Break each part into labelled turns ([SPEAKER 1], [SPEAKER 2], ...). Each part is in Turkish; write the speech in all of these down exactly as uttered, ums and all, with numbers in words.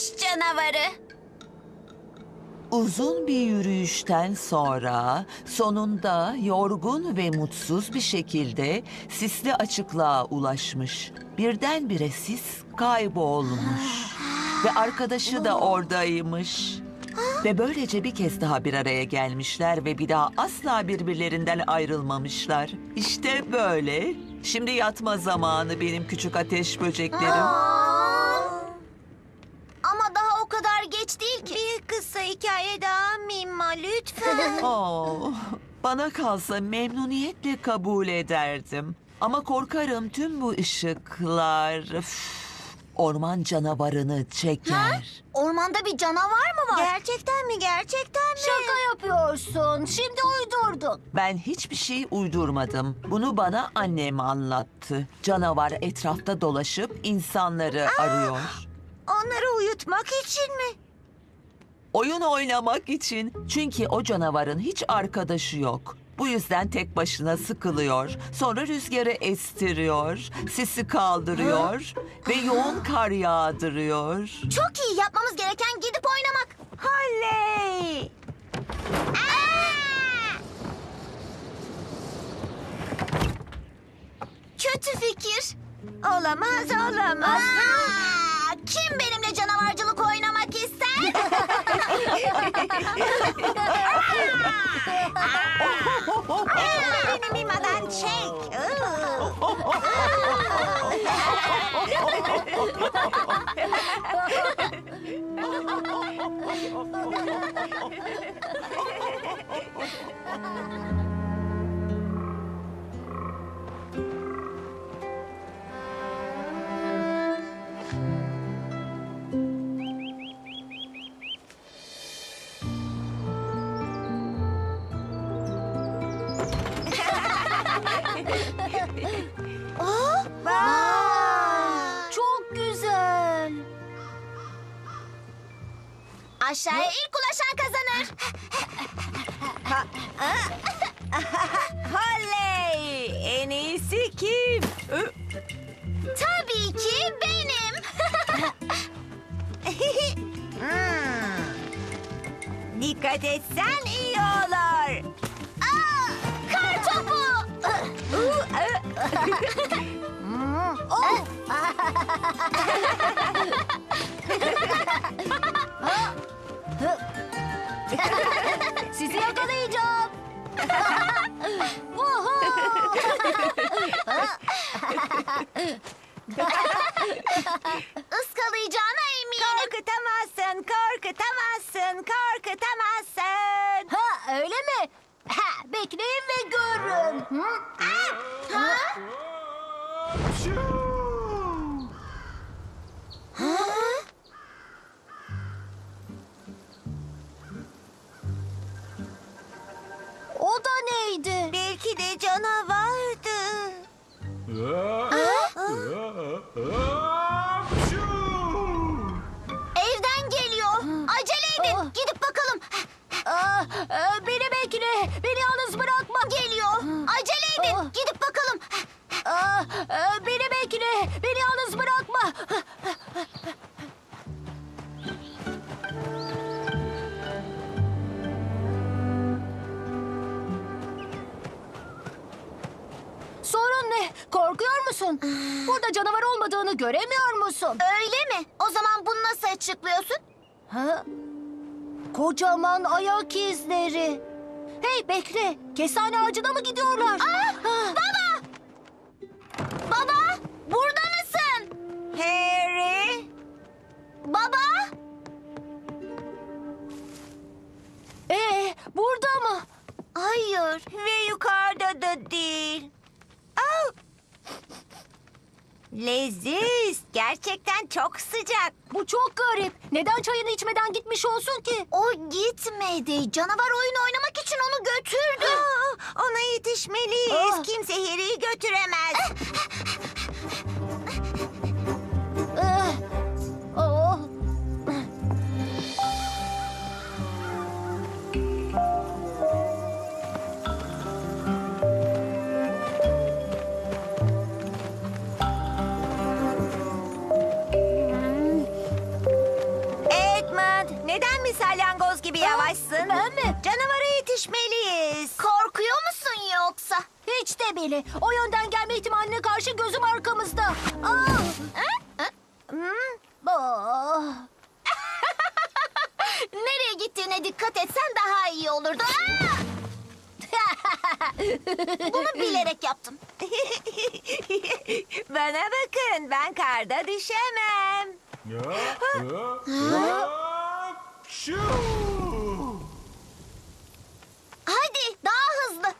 [SPEAKER 1] Kış canavarı.
[SPEAKER 2] Uzun bir yürüyüşten sonra sonunda yorgun ve mutsuz bir şekilde sisli açıklığa ulaşmış. Birdenbire sis kaybolmuş ve arkadaşı da oradaymış. Ve böylece bir kez daha bir araya gelmişler ve bir daha asla birbirlerinden ayrılmamışlar. İşte böyle. Şimdi yatma zamanı benim küçük ateş böceklerim.
[SPEAKER 1] Ama daha o kadar geç değil ki. Bir kısa hikaye daha Mima lütfen.
[SPEAKER 2] Oh, bana kalsa memnuniyetle kabul ederdim. Ama korkarım tüm bu ışıklar üf, orman canavarını çeker.
[SPEAKER 1] Ormanda bir canavar mı var? Gerçekten mi? Gerçekten mi? Şaka yapıyorsun. Şimdi uydurdun.
[SPEAKER 2] Ben hiçbir şey uydurmadım. Bunu bana annem anlattı. Canavar etrafta dolaşıp insanları arıyor.
[SPEAKER 1] Onları uyutmak için mi?
[SPEAKER 2] Oyun oynamak için. Çünkü o canavarın hiç arkadaşı yok. Bu yüzden tek başına sıkılıyor. Sonra rüzgarı estiriyor, sisi kaldırıyor ve yoğun kar yağdırıyor.
[SPEAKER 1] Çok iyi. Yapmamız gereken gidip oynamak. Oley! Kötü fikir. Olamaz, olamaz. Kim benimle canavarcılık oynamak ister? Beni Mima'dan çek. Oh, vay! Çok güzel. Aşağıya ilk ulaşan kazanır.
[SPEAKER 2] Oley! En iyisi kim?
[SPEAKER 1] Tabii ki benim.
[SPEAKER 2] Dikkat etsen iyi olur.
[SPEAKER 1] Aa, kar topu. Oh. Sizi yakalayacağım. Iskalayacağına eminim.
[SPEAKER 3] Korkutamazsın, korkutamazsın, korkutamazsın.
[SPEAKER 1] Ha, öyle mi? Ha, bekleyin ve görün. Hı? Ah! Ha? Ha? O da neydi?
[SPEAKER 3] Belki de canavardı.
[SPEAKER 1] Evden geliyor. Acele edin. Gidip bakalım. Beni bekle. Beni yalnız bırakma. Geliyor. Acele edin. Gidip bakalım. Beni bekle. Beni yalnız bırakma. Sorun ne? Korkuyor musun? Burada canavar olmadığını göremiyor musun? Öyle mi? O zaman bunu nasıl açıklıyorsun? Ha? Kocaman ayak izleri. Hey bekle. Kestane ağacına mı gidiyorlar? Aa, baba! Baba! Burada mısın?
[SPEAKER 3] Harry,
[SPEAKER 1] Baba! Ee, burada mı? Hayır.
[SPEAKER 3] ve yukarıda da değil. Au! Leziz, gerçekten çok sıcak.
[SPEAKER 1] Bu çok garip. Neden çayını içmeden gitmiş olsun ki? O gitmedi. Canavar oyun oynamak için onu götürdü.
[SPEAKER 3] Aa, ona yetişmeliyiz.
[SPEAKER 1] Aa.
[SPEAKER 3] Kimse Harry'i götüremez.
[SPEAKER 1] Eh, oh.
[SPEAKER 3] iyileşmeliyiz. Korkuyor musun yoksa?
[SPEAKER 1] Hiç de bile. O yönden gelme ihtimaline karşı gözüm arkamızda. Aa! Aa!
[SPEAKER 3] Nereye gittiğine dikkat etsen daha iyi olurdu. Bunu bilerek yaptım. Bana bakın, ben karda düşemem. Hadi daha hızlı.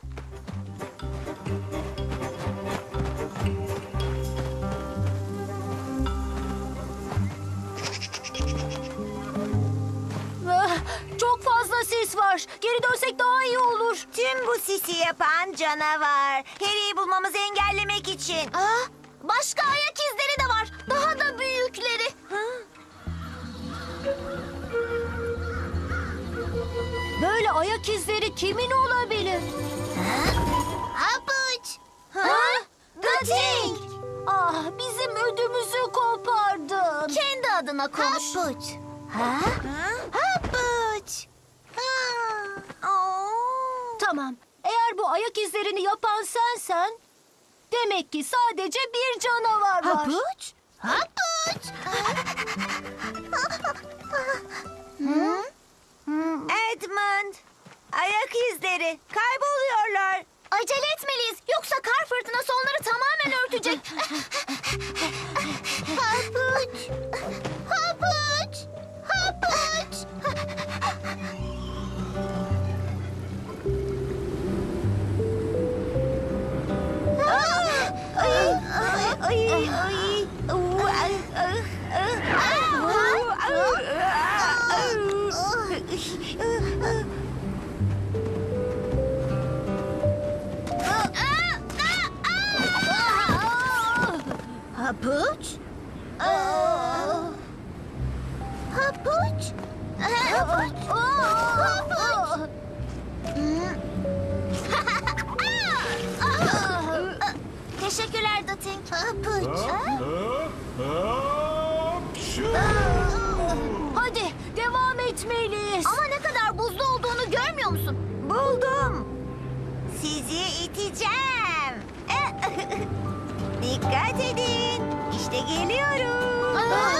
[SPEAKER 1] Ah, çok fazla sis var. Geri dönsek daha iyi olur.
[SPEAKER 3] Tüm bu sisi yapan canavar. Harry'i bulmamızı engellemek için. Aa, başka ayak izleri de var. Daha da büyükleri.
[SPEAKER 1] Böyle ayak izleri kimin olabilir?
[SPEAKER 3] Hapuç.
[SPEAKER 1] Ha?
[SPEAKER 3] The Thing.
[SPEAKER 1] Ah, bizim ödümüzü kopardın.
[SPEAKER 3] Kendi adına konuş. Hapuç.
[SPEAKER 1] Ha?
[SPEAKER 3] Hapuç.
[SPEAKER 1] Tamam. Eğer bu ayak izlerini yapan sensen, demek ki sadece bir canavar var.
[SPEAKER 3] Hapuç. Hapuç. Edmund. Ayak izleri. Kayboluyorlar. Acele etmeliyiz. Yoksa kar fırtınası onları tamamen örtecek. Hapuç. Hapuç. Hapuç. Ay, ay, ay, ay. Oo, ay, ay, ay. Hapuç? Hapuç? Hapuç? Hapuç? Teşekkürler The Thing. Hapuç.
[SPEAKER 1] Hadi devam etmeliyiz.
[SPEAKER 3] Ama ne kadar buzlu olduğunu görmüyor musun? Buldum. Sizi iteceğim. Dikkat edin. İşte geliyorum.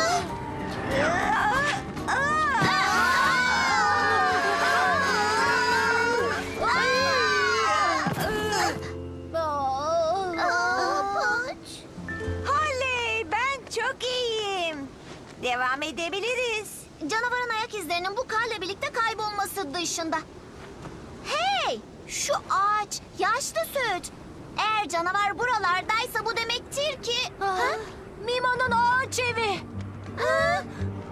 [SPEAKER 3] Oley, ben çok iyiyim. Devam edebiliriz. Canavarın ayak izlerinin bu karla birlikte kaybolması dışında. Hey, şu ağaç yaşlı süt. Eğer canavar buralardaysa bu demektir ki...
[SPEAKER 1] Ah,
[SPEAKER 3] Ha?
[SPEAKER 1] Mima'nın ağaç evi.
[SPEAKER 3] Ha?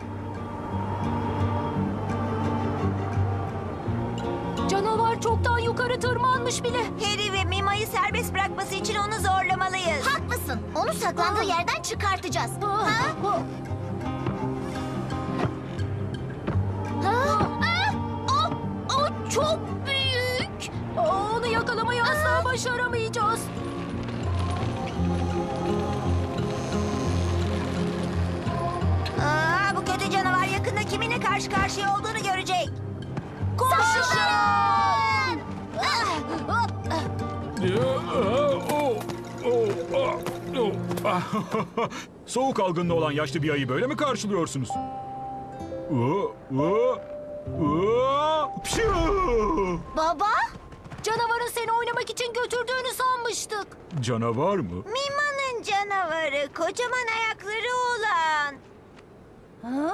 [SPEAKER 1] Canavar çoktan yukarı tırmanmış bile.
[SPEAKER 3] Harry ve Mima'yı serbest bırakması için onu zorlamalıyız. Haklısın. Onu saklandığı
[SPEAKER 1] Aa.
[SPEAKER 3] yerden çıkartacağız.
[SPEAKER 1] Ah,
[SPEAKER 3] Ha?
[SPEAKER 1] ah,
[SPEAKER 3] Ha? Ah, O, o çok büyük.
[SPEAKER 1] ah, Onu yakalamayı asla başaramayacağız.
[SPEAKER 3] Aa, bu kötü canavar yakında kiminle karşı karşıya olduğunu görecek.
[SPEAKER 1] Koşun!
[SPEAKER 3] Ah!
[SPEAKER 1] Ah, ah.
[SPEAKER 4] Soğuk algınlığı olan yaşlı bir ayı böyle mi karşılıyorsunuz? Pşuu!
[SPEAKER 3] Baba?
[SPEAKER 1] Canavarın seni oynamak için götürdüğünü sanmıştık.
[SPEAKER 4] Canavar mı?
[SPEAKER 3] Mima'nın canavarı, kocaman ayakları olan.
[SPEAKER 1] Ha?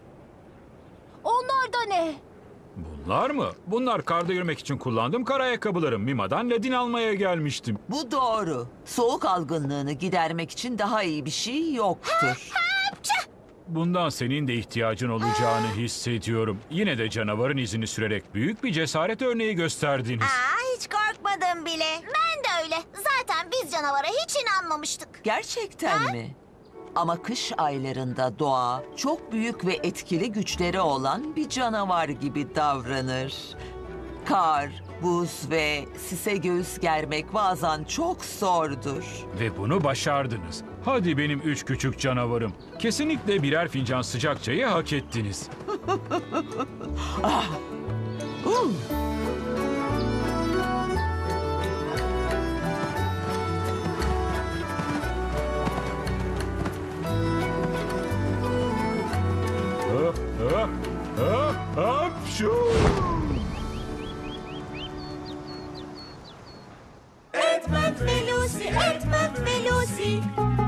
[SPEAKER 1] Onlar da ne?
[SPEAKER 4] Bunlar mı? Bunlar karda yürümek için kullandığım kar ayakkabılarım. Mima'dan ledin almaya gelmiştim.
[SPEAKER 2] Bu doğru. Soğuk algınlığını gidermek için daha iyi bir şey yoktur.
[SPEAKER 4] Bundan senin de ihtiyacın olacağını hissediyorum. Yine de canavarın izini sürerek büyük bir cesaret örneği gösterdiniz.
[SPEAKER 3] Aa, hiç korkmadım bile. Ben de öyle. Zaten biz canavara hiç inanmamıştık.
[SPEAKER 2] Gerçekten mi? Ama kış aylarında doğa çok büyük ve etkili güçleri olan bir canavar gibi davranır. Kar, buz ve sise göğüs germek bazen çok zordur.
[SPEAKER 4] Ve bunu başardınız. Hadi benim üç küçük canavarım. Kesinlikle birer fincan sıcak çayı hak ettiniz.
[SPEAKER 2] Uh.
[SPEAKER 5] Şu.
[SPEAKER 3] Edmund ve Lucy, Edmund ve Lucy.